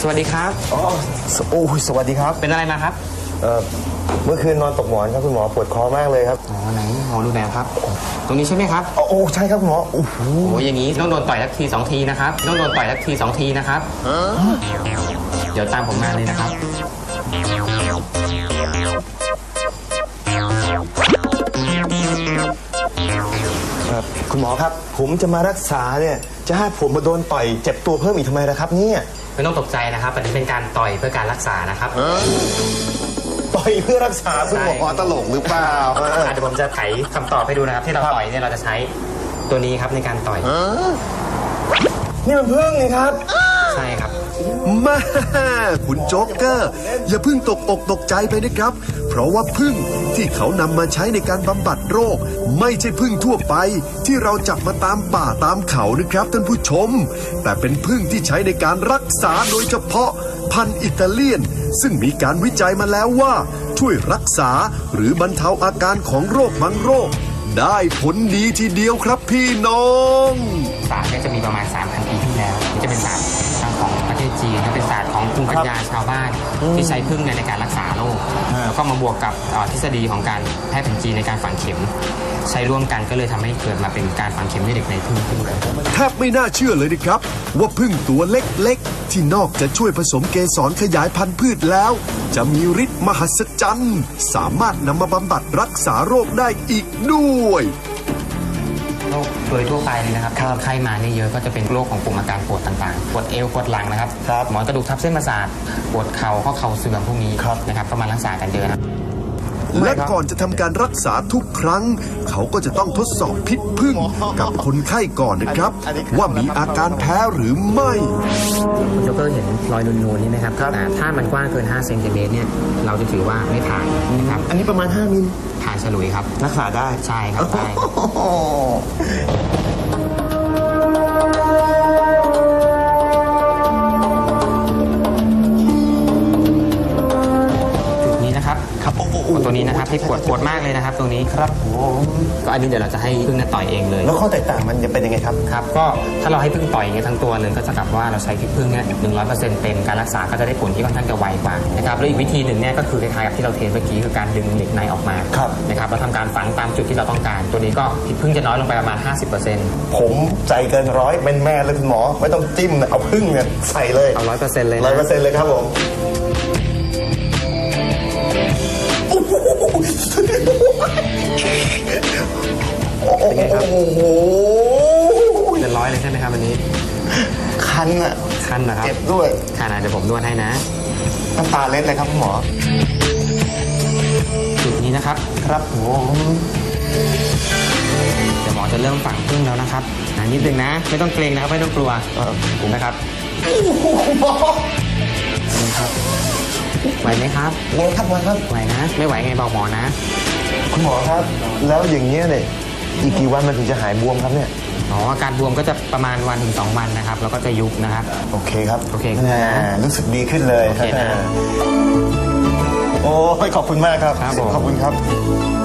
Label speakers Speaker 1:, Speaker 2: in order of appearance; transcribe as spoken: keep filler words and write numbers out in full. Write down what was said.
Speaker 1: สวัสดีครับ
Speaker 2: อ๋อโอ้ยสวัสดีครับ
Speaker 1: เป็นอะไรมาครับ
Speaker 2: เอ่อเมื่อคืนนอนตกหมอนครับคุณหมอปวดคอมากเลยครับ
Speaker 1: อ๋อไหนหมอดูแบบครับตรงนี้ใช่ไหมครับ
Speaker 2: โอ้ใช่ครับคุณหมอโอ้โห
Speaker 1: โอ้อย่างนี้ต้องโดนต่อยสักทีสองทีนะครับต้องโดนต่อยสักทีสองทีนะครับเดี๋ยวตามผมมาเลยนะครับ
Speaker 2: คุณหมอครับผมจะมารักษาเนี่ยจะให้ผมมาโดนต่อยเจ็บตัวเพิ่มอีกทำไมล่ะครับเนี่ย
Speaker 1: ไม่ต้องตกใจนะครับอันนี้เป็นการต่อยเพื่อการรักษานะครับ
Speaker 2: ต่อยเพื่อรักษาคุณหมอตลกหรือเปล่า
Speaker 1: เดี๋ยวผมจะไขคำตอบให้ดูนะครับที่เราต่อยเนี่ยเราจะใช้ตัวนี้ครับในการต่อย
Speaker 2: นี่มันพึ่งนี่ครับ
Speaker 1: ใช่ครับ
Speaker 3: มาคุณโจ๊กเกอร์อย่าเพิ่งตกอกตกใจไปนะครับเพราะว่าพึ่งที่เขานำมาใช้ในการบำบัดโรคไม่ใช่พึ่งทั่วไปที่เราจับมาตามป่าตามเขานะครับท่านผู้ชมแต่เป็นพึ่งที่ใช้ในการรักษาโดยเฉพาะพันธุ์อิตาเลียนซึ่งมีการวิจัยมาแล้วว่าช่วยรักษาหรือบรรเทาอาการของโรคบางโรคได้ผลดีทีเดียวครับพี่น้อง
Speaker 1: ศาสตร์เนี่ยจะมีประมาณ สามพัน ปีที่แล้วนี่จะเป็นศาสตร์ทางของประเทศจีนและเป็นศาสตร์ของภูมิปัญญาชาวบ้านที่ใช้พึ่งในการรักษาโรคแล้วก็มาบวกกับทฤษฎีของการแพทย์แผนจีนในการฝังเข็มใช้ร่วมกันก็เลยทำให้เกิดมาเป็นการฝังเข็มในเด็กในพึ่งพึ่งเลย
Speaker 3: แทบไม่น่าเชื่อเลยนะครับว่าพึ่งตัวเล็กๆที่นอกจะช่วยผสมเกสรขยายพันธุ์พืชแล้วจะมีฤทธิ์มหัศจรรย์สามารถนำมาบำบัดรักษาโรคได้อีกด้วย
Speaker 1: โรคโดยทั่วไปเลยนะครับไข้มาเนี่ยเยอะก็จะเป็นโรคของกลุ่มอาการปวดต่างๆปวดเอวปวดหลังนะครับหมอนกระดูกทับเส้นประสาทปวดเข่าข้อเข่าเสื่อมพวกนี้นะครับก็มารักษากันเยอะนะ
Speaker 3: และก่อนจะทำการรักษาทุกครั้งเขาก็จะต้องทดสอบพิษพึ่งกับคนไข้ก่อนนะครับว่ามีอาการแพ้หรือไม่
Speaker 1: คุณโจ๊กเกอร์เห็นรอยนูนๆนี่ไหมครับถ้ามันกว้างเกินห้าเซนติเมตรเนี่ยเราจะถือว่าไม่ผ่านนะครับ
Speaker 2: อันนี้ประมาณห้ามิล
Speaker 1: ผ่านฉลุยครับ
Speaker 2: รักษาได้
Speaker 1: ใช่ครับได้ตัวนี้นะครับที่ปวดปวดมากเลยนะครับตรงนี้
Speaker 2: ครับผม
Speaker 1: ก็อันนี้เดี๋ยวเราจะให้พึ่งต่อยเองเลย
Speaker 2: แล้วข้อแตกต่างมันจะเป็นยังไงครับ
Speaker 1: ครับก็ถ้าเราให้พึ่งต่อยอย่างเงี้ยทั้งตัวเลยก็จะกลับว่าเราใช้พิษพึ่งเนี่ยหนึ่งร้อยเปอร์เซ็นต์เต็มการรักษาก็จะได้ผลที่ค่อนข้างจะไวกว่านะครับแล้วอีกวิธีหนึ่งเนี่ยก็คือคล้ายๆกับที่เราเทสเมื่อกี้คือการดึงเหล็กในออกมานะครับเราทำการฝังตามจุดที่เราต้องการตัวนี้ก็พิษพึ่งจะน้อยลงไปประมาณ ห้าสิบเปอร์เซ็นต์
Speaker 2: ผมใจเกินร้อยเป็นแม่เลยคุณหมอไม่ต้องจิ้มเอาพึ่งเนี่ยใส่เลย
Speaker 1: เอาร้อยเปอร์เซ็นต์เลย
Speaker 2: ร้อยเปอร์เซ็นต์เลยครับผม
Speaker 1: เป็นไงครับโอ้โหเป็นร้อยเลยใช่ไหมครับวันนี้
Speaker 2: คันอะ
Speaker 1: คันนะครับ
Speaker 2: เจ็บด้วย
Speaker 1: คันอ่ะเดี๋ยวผมนวดให้นะ
Speaker 2: น้ำตาเล็ดเลยครับคุณหมอ
Speaker 1: จุดนี้นะครับ
Speaker 2: ครับผม
Speaker 1: เดี๋ยวหมอจะเริ่มฝังพึ่งแล้วนะครับนิดนึงนะไม่ต้องเกรงนะครับไม่ต้องกลัวนะครับนี่ครับไหวไหมครับ
Speaker 2: ไหวครับไหวครับ
Speaker 1: ไหวนะไม่ไหวไงบอกหมอนะ
Speaker 2: คุณหมอครับแล้วอย่างเงี้ยเนี่ยอีกกี่วันมันถึงจะหายบวมครับเนี่ย
Speaker 1: อ๋ออาการบวมก็จะประมาณวันถึงสองวันนะครับแล้วก็จะยุบนะครับ
Speaker 2: โอเคครับ
Speaker 1: โอเค
Speaker 2: รู้สึกดีขึ้นเลยโอเคนะโอ้ยขอบคุณมากครับ
Speaker 1: ข
Speaker 2: อบคุณครับ